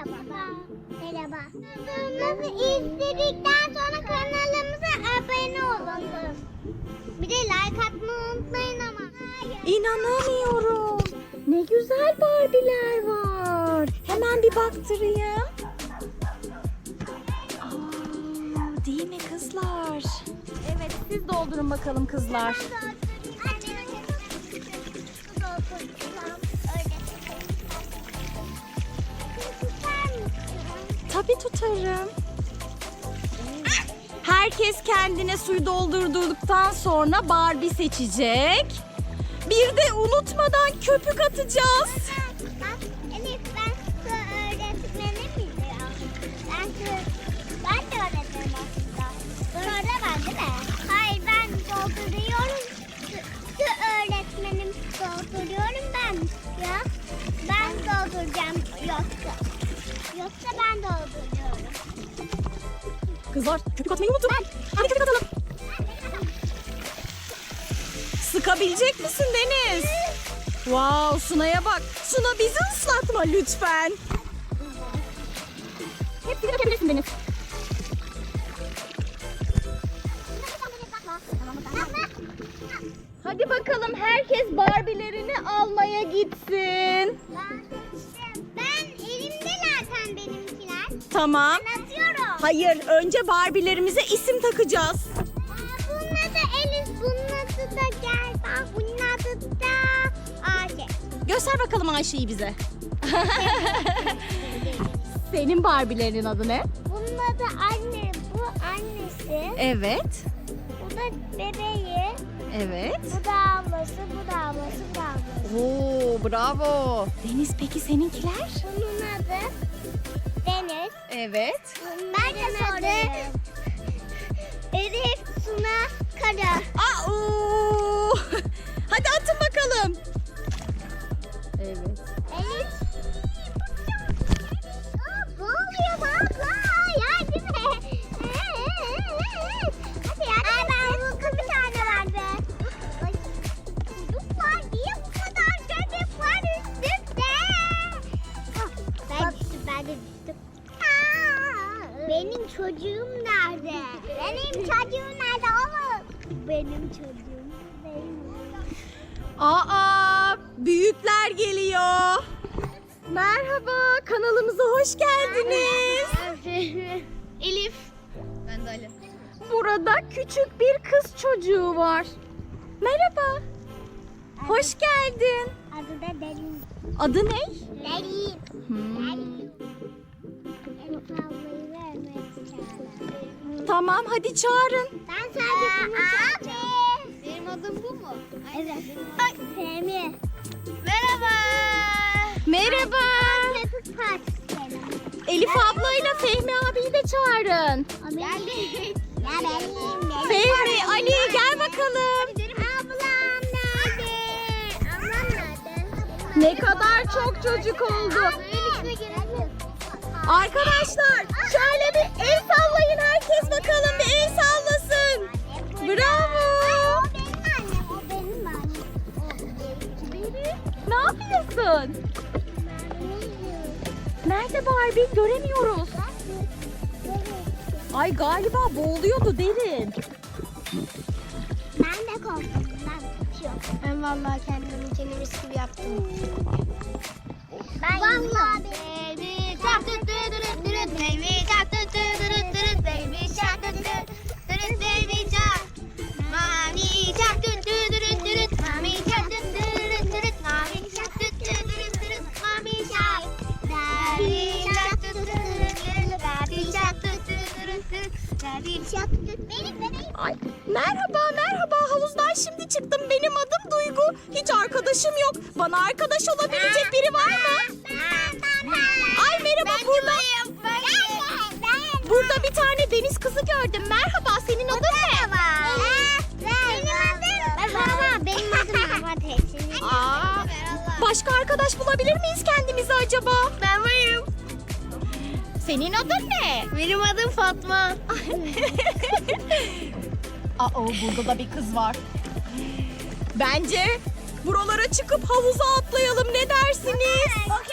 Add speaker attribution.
Speaker 1: Merhaba. Merhaba. Kanalımızı izledikten sonra kanalımıza abone olun. Bir de like atmayı unutmayın ama.
Speaker 2: İnanamıyorum. Ne güzel Barbie'ler var. Hemen bir baktırayım. Aa, değil mi kızlar? Evet, siz doldurun bakalım kızlar. Tabii tutarım. Herkes kendine suyu doldurduktan sonra Barbie seçecek. Bir de unutmadan köpük atacağız.
Speaker 1: Elif, ben su öğretmenim ya. Ben de öğretmenim aslında. Sonra ben değil mi? Hayır, ben dolduruyorum. Su öğretmenim dolduruyorum ben. Ya ben dolduracağım yoksa. Yoksa ben dolduruyorum.
Speaker 2: Kızlar köpük atmayı unutun. Hadi köpük atalım. Sıkabilecek misin Deniz? Wow, Suna'ya bak. Suna bizi ıslatma lütfen. Hepsini dökebilirsin Deniz. Hadi bakalım herkes Barbie'lerini almaya gitsin.
Speaker 1: Ben elimde zaten benimkiler.
Speaker 2: Tamam.
Speaker 1: Ben atıyorum.
Speaker 2: Hayır, önce Barbie'lerimize isim takacağız.
Speaker 1: Bunun adı Elif, bunun adı da Gerba, bunun adı da Ayşe.
Speaker 2: Göster bakalım Ayşe'yi bize. Senin Barbie'lerin adı ne?
Speaker 1: Bunun adı anne, bu annesi,
Speaker 2: Evet.
Speaker 1: bu da bebeği,
Speaker 2: Evet.
Speaker 1: bu da ablası, bu da ablası, bu da ablası.
Speaker 2: Oo, bravo. Deniz peki seninkiler?
Speaker 1: Bunun adı Deniz.
Speaker 2: Evet.
Speaker 1: Ben de sorayım. Elif, Suna, Kara.
Speaker 2: Aa, hadi atın bakalım. Evet.
Speaker 1: Elif. Ne oluyor baba? Yardım et. Hadi yardım et. Ben buldum bir tane var be. Ay, çocuklar niye bu kadar çocuk var üstümde? Ben düştüm, ben de düştüm. Benim çocuğum nerede? Benim çocuğum nerede oğlum? Benim çocuğum.
Speaker 2: Aa, büyükler geliyor. Merhaba, kanalımıza hoş geldiniz.
Speaker 1: Elif.
Speaker 3: Ben de Ali.
Speaker 2: Burada küçük bir kız çocuğu var. Merhaba. Hoş geldin.
Speaker 1: Adı da Derin.
Speaker 2: Adı ne?
Speaker 1: Derin.
Speaker 2: Hmm.
Speaker 1: Derin. Elif ablayı vermek istiyorum.
Speaker 2: Tamam, hadi çağırın.
Speaker 1: Ben sadece bunu söyleyeceğim.
Speaker 3: Benim adım bu mu?
Speaker 1: Evet. Ay, Fehmi. Merhaba.
Speaker 2: Merhaba.
Speaker 1: Köpük partisi.
Speaker 2: Elif ablayla Fehmi abiyi de çağırın.
Speaker 1: Geldik. Ya benim.
Speaker 2: Fehmi, Ali gel bakalım.
Speaker 1: Ablam nerede? Ablam nerede?
Speaker 2: Ne kadar çok çocuk oldu.
Speaker 1: Suyun içine girelim.
Speaker 2: Arkadaşlar şöyle bir el sallayın, herkes bakalım bir el sallasın. Bravo.
Speaker 1: O benim annem, o benim annem. O benim.
Speaker 2: Ne yapıyorsun? Nerede Barbie? Göremiyoruz. Ay galiba boğuluyordu Derin.
Speaker 1: Ben de korktum. Ben kaçıyorum.
Speaker 3: Ben vallahi kendim için mis gibi yaptım.
Speaker 1: Ben vallahi
Speaker 3: Baby shark dut dut dut dut baby shark dut dut dut dut baby shark dut dut dut baby shark. Mommy shark dut dut dut dut mommy shark dut dut dut dut mommy shark dut dut dut dut mommy shark. Daddy shark dut dut dut daddy shark dut dut dut daddy shark dut.
Speaker 1: benim.
Speaker 2: Ay merhaba merhaba, havuzdan şimdi çıktım. Benim adım Duygu. Hiç arkadaşım yok. Bana arkadaş olabilecek biri var mı? Ay merhaba, burada bir tane deniz kızı gördüm. Merhaba, senin adın ne?
Speaker 1: Benim adım Mehmet Esin.
Speaker 2: Aa, başka arkadaş bulabilir miyiz kendimize acaba?
Speaker 3: Ben varım.
Speaker 2: Senin adın ne?
Speaker 3: Benim adım Fatma.
Speaker 2: Aa, burada da bir kız var. Bence buralara çıkıp havuza atlayalım, ne dersiniz?
Speaker 1: Okey.